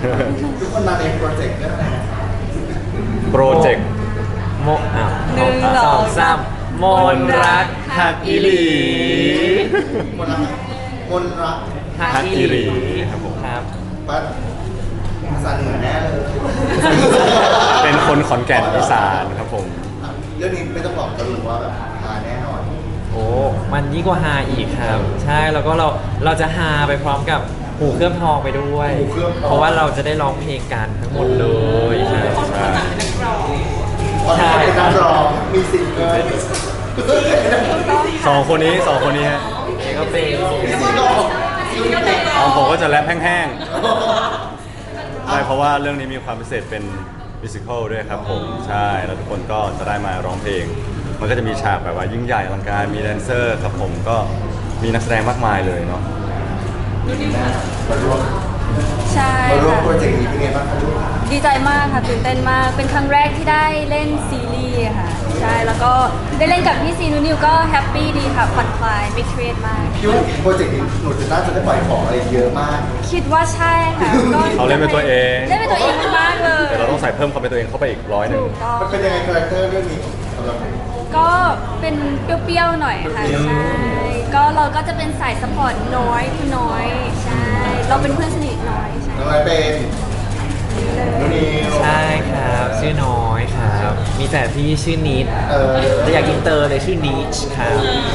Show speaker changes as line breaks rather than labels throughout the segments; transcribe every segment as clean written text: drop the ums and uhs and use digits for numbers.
ทุกคนมาในโปรเจกต์เรื่องอะไรนะ
โปรเจกต์
โม
หนึ่งสองสาม
มนรักหักอีหลี
คนรักคนรัก
ฮักอีหลีครับผม
ครับ
ปัดภาษาเหนือแน่เลย
เป็นคนขอนแก่นอีสานครับผม
เรื่องนี้ไม่ต้องบอกจะรู้ว่าแบบหาแน่นอน
โอ้มันยิ่งกว่าฮาอีกครับ ใช่แล้วก็เราจะฮาไปพร้อมกับหูเคลือบทองไปด้วย
หูเคลือบทอง
เพราะว่าเราจะได้ร้องเพลงกันทั้งหมดเลยใช่
ใช่
ตอนนี้เป็นนักร้องมีซิงเกิล
สองคนนี้ฮะ
นี่ก็เป็น
มีซิงเกิล
ของผมก็จะแรปแห้งๆใช่เพราะว่าเรื่องนี้มีความพิเศษเป็นมิวสิควลด้วยครับผมใช่แล้วทุกคนก็จะได้มาร้องเพลง มันก็จะมีฉากแบบว่ายิ่งใหญ่อลังการมีแดนเซอร์ครับผมก็มีนักแสดงมากมายเลยเนาะ
มาร่วม
ใช่
มาร่วม
ค่ะ
โปรเจกต์นี้เป็นไงบ้างคะลูก
ดีใจมากค่ะตื่นเต้นมากเป็นครั้งแรกที่ได้เล่นซีรีส์ค่ะใช่แล้วก็ได้เล่นกับพี่ซีนูนิวก็แฮปปี้ดีค่ะผ่อนคลายไม่เครียดมาก
คิดว่าโปรเจกต์นี้หนูจะน่าจะได้ปล่อยของอะไรเยอะมาก
คิดว่าใช่ค่ะก็
เขาเล่นเป็นตัวเอง
เล่นเป็นตัวเองมากๆเลย
แต่เราต้องใส่เพิ่มความเป็นตัวเองเข้าไปอีก100
ถูกต้อง
มันเป็นยังไงคาแรคเตอร์เรื่องนี้สำหรับหนู
ก็เป็นเปรี้ยวๆหน่อยค่ะใช่ก็เราก็จะเป็นสายสปอร์ตน้อยคุณน้อยใช่เราเป็นเพื่อนสนิทน้อยใช่
น้องอะไรเป็นนูนิว
ใช่ครับชื่อน้อยครับ มีแต่พี่ชื่อนิด
เออ
แต่อยากอินเตอร์เลยชื่อนิชครับ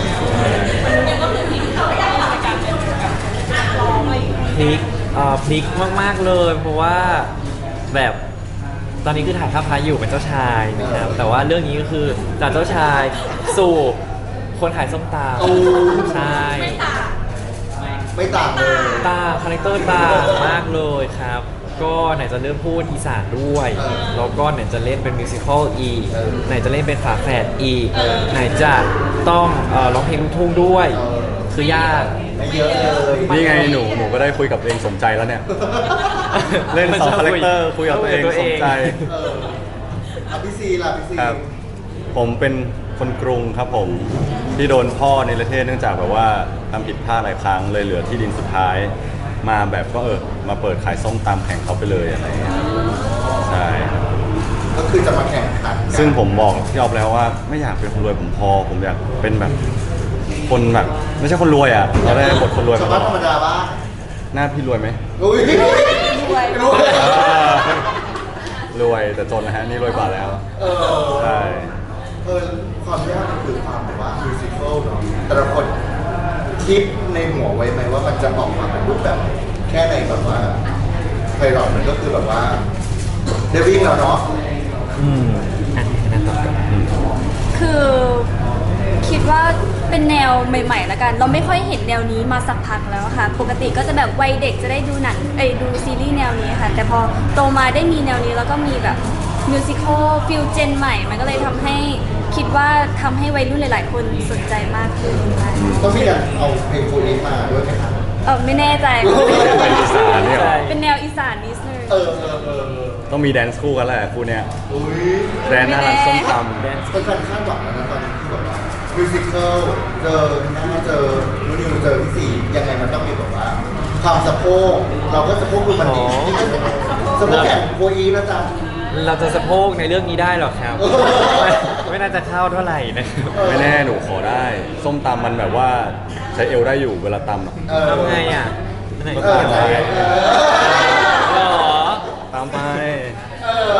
พลิกพลิกมากๆเลย เพราะว่าแบบตอนนี้คือถ่ายข้ามพระอยู่เป็นเจ้าชายนะครับแต่ว่าเรื่องนี้ก็คือจากเจ้าชายสู่คนขายส้มตำใช่
ไม่ต่างเลย
ตาคาแรคเตอร์ต่างมากเลยครับ ก็ไหนจะเริ่มพูดอีสานด้วย แล้วก็ไหนจะเล่นเป็นมิวสิควลอีกไหนจะเล่นเป็นฝาแฝดอีกไหนจะต้องร้องเพลงลูกทุ่งด้วย คือยาก
ไม่เยอะเลย
นี่ไงหนูก็ได้คุยกับตัวเองสมใจแล้วเนี่ย เล่น2 คาแรคเตอร์คุยกับตัวเองสมใจ
เอออ่ะพี่ซีล่ะพี่ซี
ครับ ผมเป็นคนกรุงครับผมที่โดนพ่อในประเทศเนื่องจากแบบว่าทำผิดพลาดหลายครั้งเลยเหลือที่ดินสุดท้าย มาแบบก็มาเปิดขายส้มตำแข่งเขาไปเลยอะไรอย่างเงี้ยครับใช่ครับ
ก็คือจะมาแข่งขันกัน
ซึ่งผมบอกพี่ออฟแล้วว่าไม่อยากเป็นคนรวยผมพอ ผมอยากเป็นแบบคนแบบไม่ใช่คนรวยอ่ะเราได้บทคนรวย
ชาว
มา
บ้านธรรมดาบ้าง
หน้าพี่รวยไหม
อุ้ยรวยรวย
รวยแต่จนนะฮะนี่รวยกว่าแล้ว
เออ
ใช่
ความยากมันคือความแบบว่ามิวสิควลเนาะแต่ละคนคิดในหัวไว้ไหมว่ามันจะออกมาเป็นรูปแบบแค่ในแบบว่าไพเราะมันก็คือแบบว่าเดวิ่งแล้วเนาะ
อันนี้นะต่อกัน
คือคิดว่าเป็นแนวใหม่ๆแล้วกัน เราไม่ค่อยเห็นแนวนี้มาสักพักแล้วค่ะ ปกติก็จะแบบวัยเด็กจะได้ดูหนังดูซีรีส์แนวนี้ค่ะ แต่พอโตมาได้มีแนวนี้แล้วก็มีแบบมิวสิควลฟิลเจนใหม่ มันก็เลยทำให้คิดว่าทำให้วัยรุ่นหลาย ๆ คนสนใจมากขึ้นค่ะ
ต้องมีการเอาเพลงโฟนีมาด้วยไหมคะ
ไม่แน่ใจ
เป็นอีสานเนี่ยเหรอ
เป็นแนวอีสานนิดนึง
เออ
ต้องมีแดนซ์คู่กันแหละคู่เนี้ย
อุ้ย
แดนหน้าร้านส้มต
เป็นการคาดหวังแล้วนะตอนนี้ที่แบบว่ามิวสิควลเจอหน้าเจอนูนิวเจอพี่สี่ยังไงมันต้องมีแบบว่าความสะโพกเราก็สะโพกดูมันดีสะโพกแข่งโคอีนะจ๊ะ
เราจะสะโพกในเรื่องนี้ได้หรอครับ ไม่น่าจะเข้าเท่าไหร่นะครับ
ำไม่แน่หนูขอได้ ส้มตำมันแบบว่าใช้เอวได้อยู่เวลาตำอะ
เออ
ทำไงอ่ะไหน
เออ
ก็
ใช่
ได้
เออ
หรอ
ตามไป
เออ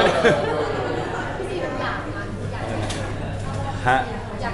ฮะ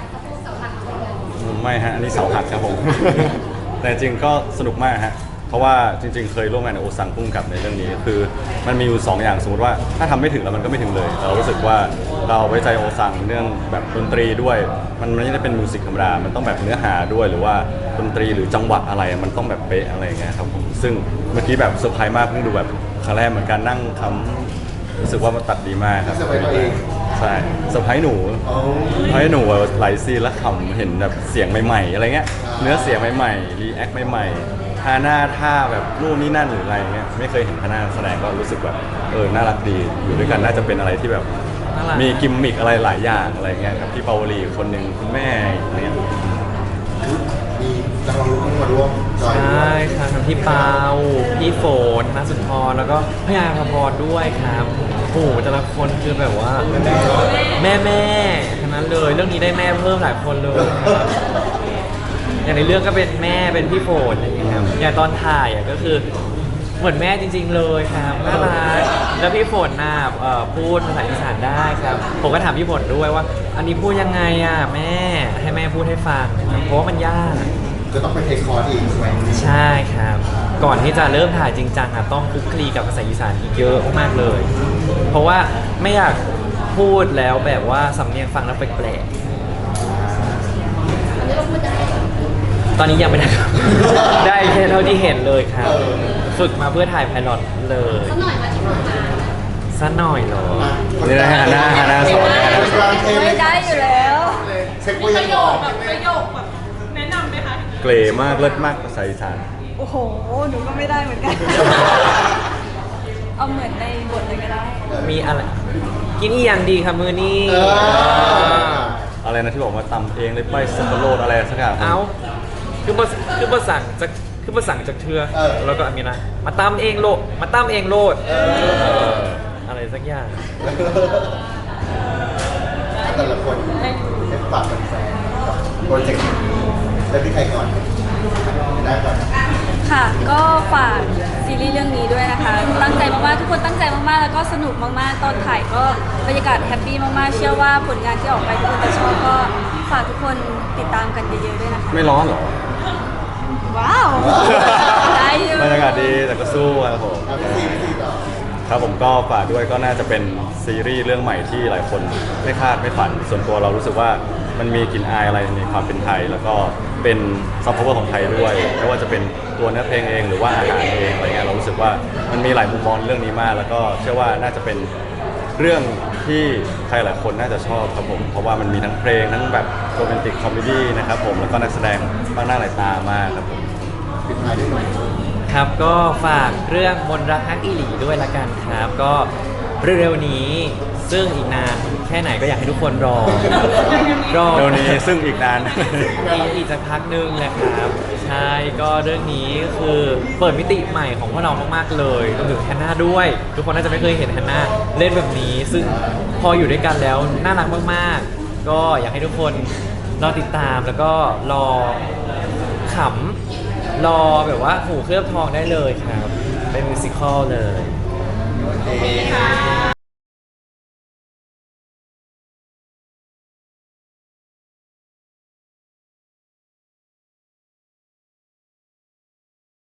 ไม่ฮะอันนี้เสาหักครับผม แต่จริงก็สนุกมากฮะเพราะว่าจริง ๆ เคยร่วมงานกับโอซังพุ่งกับในเรื่องนี้คือมันมีอยู่2อย่างสมมติว่าถ้าทำไม่ถึงแล้วมันก็ไม่ถึงเลยแต่เรารู้สึกว่าเราไว้ใจโอซังเรื่องแบบดนตรีด้วย มันไม่ได้เป็นมิวสิกธรรมดามันต้องแบบเนื้อหาด้วยหรือว่าดนตรีหรือจังหวะอะไรมันต้องแบบเป๊ะอะไรอย่างเงี้ยครับผมซึ่งเมื่อกี้แบบเซอร์ไพรส์มากเพิ่งดูแบบครั้งแรกเหมือนกันนั่งคำรู้สึกว่ามันตัดดีมากครับ
เซอร์ไพรส์ตัวเอง
ใช่เซอร์ไพรส์หนู
โอ้
ให้หนูหลายซีนแล้วขำเห็นแบบเสียงใหม่ๆอะไรเงี้ยเนื้อเสียงใหม่ๆรีแอคใหม่ๆท่าหน้าท่าแบบนู่นนี่นั่นหรืออะไรเงี้ยไม่เคยเห็นท่าหน้าแสดงก็รู้สึกแบบน่ารักดีอยู่ด้วยกันน่าจะเป็นอะไรที่แบบ
น่ารัก
มีกิมมิคอะไรหลายอย่างอะไรเงี้ยครับพี่ปาวลีคนหนึ่งคุณแม่อะไรเงี้ย
มีนักร้องลูกทุ่งมาร่วมจอย
ใช
ด้ว่ ย
ครับทั้งพี่เปาพี่ฝนนัสุนทรแล้วก็พี่อาภพรด้วยครับโอ้โหแต่ละคนคือแบบว่าแม่ทั้งนั้นเลยเรื่องนี้ได้แม่เพิ่มหลายคนเลยครับอย่างในเรื่องก็เป็นแม่เป็นพี่ฝนอะไรอย่างเงี้ยครับอย่างตอนถ่ายอ่ะก็คือเหมือนแม่จริง ๆ เลยครับน่ารักแล้วพี่ฝนน่ะพูดภาษาอีสานได้ครับผมก็ถามพี่ฝนด้วยว่า อันนี้พูดยังไงอ่ะแม่ให้แม่พูดให้ฟังครับเพราะว่ามันยาก
จะต้องไปเทคคอร์สอีกใช่ไหม
ใช่ครับ ก่อนที่จะเริ่มถ่ายจริงจังอ่ะต้องคลุกคลีกับภาษาอีสานอีกเยอะมากๆเลย เพราะว่าไม่อยากพูดแล้วแบบว่าสำเนียงฟังแล้วแปลกๆตอนนี้ยังไม่ได้ครับ ได้แค่เท่าที่เห็นเลยครับ ฝึกมาเพื่อถ่ายไพลอตเลยสักหน่อยเหรอ
นี่นะฮะฮาน่าสอนฮาน่าสอน
ไม่ได้อยู่แล้ว
เช็คว่ายังออก
ประโยคแบบแนะนำไหมคะ
เกรมากเลิศมากภาษาอีสาน
โอ้โห หนูก็ไม่ได้เหมือนกัน เอาเหมือนในบทเลยก็ได้
มีอะไร กินอีอย่างดีครับมือนี้
อะไรนะที่บอกว่าตำเองเลยไปสับปะรดอะไรสักอย่าง
เอาคือภาสั่งจากเธอแล้วก็มีนะมาตามเองโลดมาตามเองโลดอะไรสักอย่าง
แต่ละคนให้ฝากแฟนๆกับโปรเจกต์นี้แล้วพี่ใครก่อนได้ก่อน
ค่ะ ก็ฝากซีรีส์เรื่องนี้ด้วยนะคะ ตั้งใจมากๆ ทุกคนตั้งใจมากๆ แล้วก็สนุกมากๆ ตอนถ่ายก็บรรยากาศแฮปปี้มากๆ เชื่อว่าผลงานที่ออกไปทุกคนจะชอบก็ฝากทุกคนติดตามกันเยอะๆ ด้วยนะคะ
ไม่ร้อนเหรอ
ว้าว ได้อยู่
บรรยากาศดีแต่ก็สู้ครับผม
เอาพี่ต่อ
ครับผมก็ฝากด้วยก็น่าจะเป็นซีรีส์เรื่องใหม่ที่หลายคนไม่คาดไม่ฝัน ส่วนตัวเรารู้สึกว่ามันมีกลิ่นอายอะไรในความเป็นไทย แล้วก็เป็นซอฟต์พาวเวอร์ของไทยด้วยไม่ว่าจะเป็นตัวเนื้อเพลงเองหรือว่าอาหารเองอะไรเงี้ยเรารู้สึกว่ามันมีหลายมุมมองเรื่องนี้มาก แล้วก็เชื่อว่าน่าจะเป็นเรื่องที่ใครหลายคนน่าจะชอบครับผมเพราะว่ามันมีทั้งเพลงทั้งแบบโรแมนติกคอมเมดี้นะครับผมแล้วก็นักแสดงมากหน้าหลายตามากครับผม
ปิดท้ายด้วยหน่อย
ครับก็ฝากเรื่องมนต์รักฮักอีหลีด้วยละกันครับ ก็เร็วๆนี้ซึ่งอีกนานแค่ไหนก็อยากให้ทุกคนรอ
เดี๋ยวนี้ซึ่งอีกนาน
อีกสักพักนึงแหละครับ ใช่ก็เรื่องนี้คือเปิดมิติใหม่ของพวกเรามากๆเลยรวมถึงแฮนนาด้วย ทุกคนน่าจะไม่เคยเห็นแฮนนาเล่นแบบนี้ ซึ่งพออยู่ด้วยกันแล้วน่ารักมากๆ ก็อยากให้ทุกคนรอติดตามแล้วก็รอขำรอแบบว่าหูเคลือบทองได้เลยครับ เป็นมิวสิควลเลย
โอเค